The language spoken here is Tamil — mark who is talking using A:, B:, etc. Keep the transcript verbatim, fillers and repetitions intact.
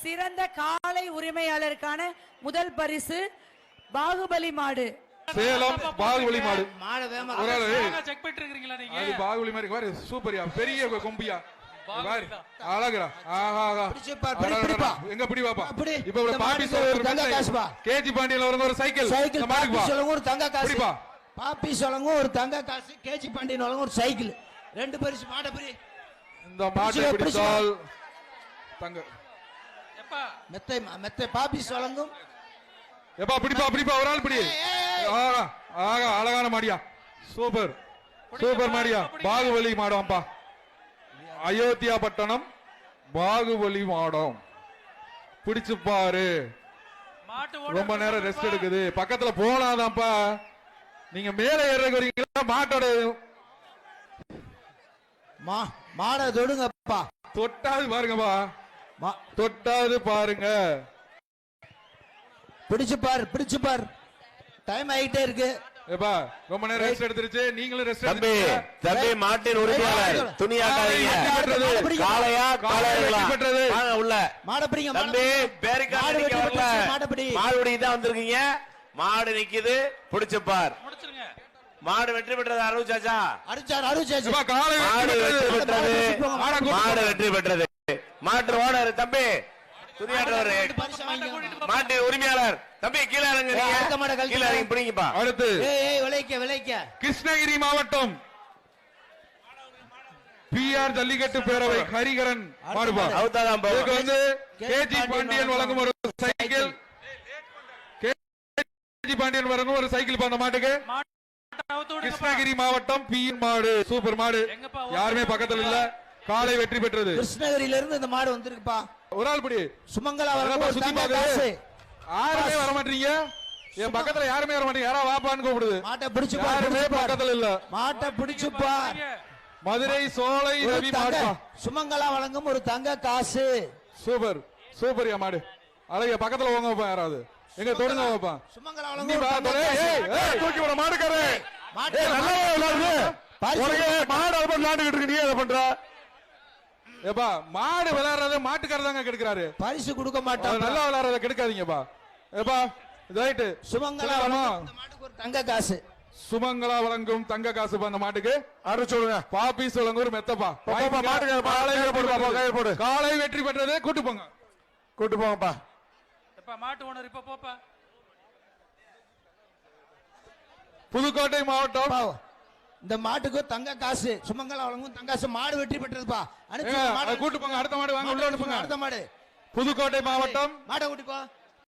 A: சிறந்த காளை உரிமையாளருக்கான முதல் பரிசு பாகுபலி மாடு.
B: சேலம் பாகுபலி மாடு.
C: மாடு வேமா
D: செக் பண்ணிட்டு இருக்கீங்களா நீங்க?
B: அது பாகுபலி மாதிரி பாரு, சூப்பர்யா, பெரிய கொம்பியா பாரு, அழகுடா. ஆஹா, எங்க பிடி பாப்பா. இப்ப ஒரு பாப்பி சொல்லுங்க, கேஜி பாண்டியன்ல வரங்க ஒரு சைக்கிள்
C: சைக்கிள் பாப்பி சொல்லுங்க ஒரு தங்க காசு பா. பாப்பி சொல்லுங்க ஒரு தங்க காசு, கேஜி பாண்டியன் வரங்க ஒரு சைக்கிள், ரெண்டு பரிசு மாட பிடி.
B: இந்த மாட்டை பிடித்தால் தங்க
D: எப்பா
C: மெத்தை மெத்தை பாப்பி சொல்லுங்க.
B: எப்பா பிடிப்பா பிடிப்பா, ஒரு ஆள் பிடி. ஆஹா ஆஹா, அழகான மாடியா, சூப்பர் சூப்பர் மாடியா. பாகுபலி மாடம்ப்பா, அயோத்தியா பட்டணம் பாகுபலி மாடம். பிடிச்சு பாரு, ரொம்ப நேரம் ரெஸ்ட் எடுக்குது, பக்கத்துல போனாதான்ப்பா. நீங்க மேல ஏறக்கு வரீங்களா? மாட்டோட
C: மாட தொடுங்கப்பா,
B: தொட்டாது பாருங்கப்பா, தொட்டாது பாருங்க.
C: பிடிச்சு பாரு பிடிச்சு பாரு, டைம் ஆயிட்டே இருக்கு.
B: ஏப்பா ரொம்ப நேரம் ரெஸ்ட் எடுத்துருச்சு, நீங்களும் ரெஸ்ட்
E: தம்பி. தம்பி மாட்டின் உரிமையாளர் துணியாக்காதீங்க. காளையா காளையா பெற்றது உள்ள
C: மாட பிடிங்க
E: தம்பி. பேரிக்காடு நிக்க வரல, மாடு தான் வந்திருக்கீங்க. மாடு நிக்குது, பிடிச்சு பார். மாடு வெற்றி பெற்றது அருச்சாச்சா,
C: அருச்சார் அருச்சாச்சு.
E: மாடு வெற்றி பெற்றது, மாடு வெற்றி பெற்றது. மாட்டு ஓனர் தம்பி, துணியாற்றவர் மாட்டு உரிமையாளர் தம்பி. கீழே இறங்குங்க, கீழே இறங்கி பிடிங்கப்பா.
B: அடுத்து
C: விளைக்க விளைக்க
B: கிருஷ்ணகிரி மாவட்டம் பி ஆர் ஜல்லிக்கட்டு பேரவை ஹரிகரன் மாடுபா. இதுக்கு வந்து கேஜி பாண்டியன் வழங்கும் ஒரு சைக்கிள், கேஜி பாண்டியன் வழங்கும் ஒரு சைக்கிள் அந்த மாட்டுக்கு. கிருஷ்ணகிரி மாவட்டம் பி மாடு, சூப்பர் மாடு, யாருமே பக்கத்துல இல்ல. காலை வெற்றி பெற்றது.
C: கிருஷ்ணகிரியில இருந்து இந்த மாடு வந்திருக்குப்பா.
B: ஒரு ஆள் பிடி.
C: சுமங்கலா
B: சுத்தி பாக்குது, யாருமே வர மாட்டீங்க. என் பக்கத்துல யாருமே வர மாட்டீங்க. யாரா வாப்பான்னு கூப்பிடுது.
C: மாட்டை பிடிச்சு
B: யாருமே பக்கத்துல இல்ல.
C: மாட்டை பிடிச்சு பார்.
B: மதுரை சோலை ரவி மாடு.
C: சுமங்கலா வழங்கும் ஒரு தங்க காசு.
B: சூப்பர் சூப்பர் யா மாடு. அழகிய பக்கத்துல போங்க வைப்பா, யாராவது எங்க தொடுங்க வைப்பா.
C: சுமங்கலா வழங்கும்
B: தூக்கி விட மாடுக்காரு. மாடு விளையாண்டுகிட்டு இருக்கு, நீ அதை பண்ற. ஏப்பா மாடு விளையாடுறத மாட்டுக்காரதாங்க கெடுக்கிறாரு.
C: பரிசு கொடுக்க மாட்டாங்க,
B: நல்லா விளையாடுறத கெடுக்காதீங்கப்பா. ஏப்பா ரைட்டு.
C: சுமங்கலா மாட்டுக்கு ஒரு தங்க காசு.
B: சுமங்கலா வழங்கும் தங்க காசு அந்த மாட்டுக்கு. அரு சொல்லுங்க, பாப்பி சொல்லுங்க ஒரு மெத்தப்பா. மாட்டுக்கு காலை வெற்றி பெற்றது. கூட்டு போங்க கூட்டு போங்கப்பா.
D: மாட்டு ஓனர் இப்ப போப்பா.
B: புதுக்கோட்டை மாவட்டம்
C: இந்த மாட்டுக்கு தங்க காசு, சுமங்கலா வழங்கும் தங்க காசு. மாடு வெற்றி பெற்றதுப்பா.
B: கூட்டு போங்க, அடுத்த மாடு வாங்க, உள்ள அனுப்புங்க.
C: அடுத்த மாடு
B: புதுக்கோட்டை மாவட்டம்
C: மாட்டை கூட்டி போ.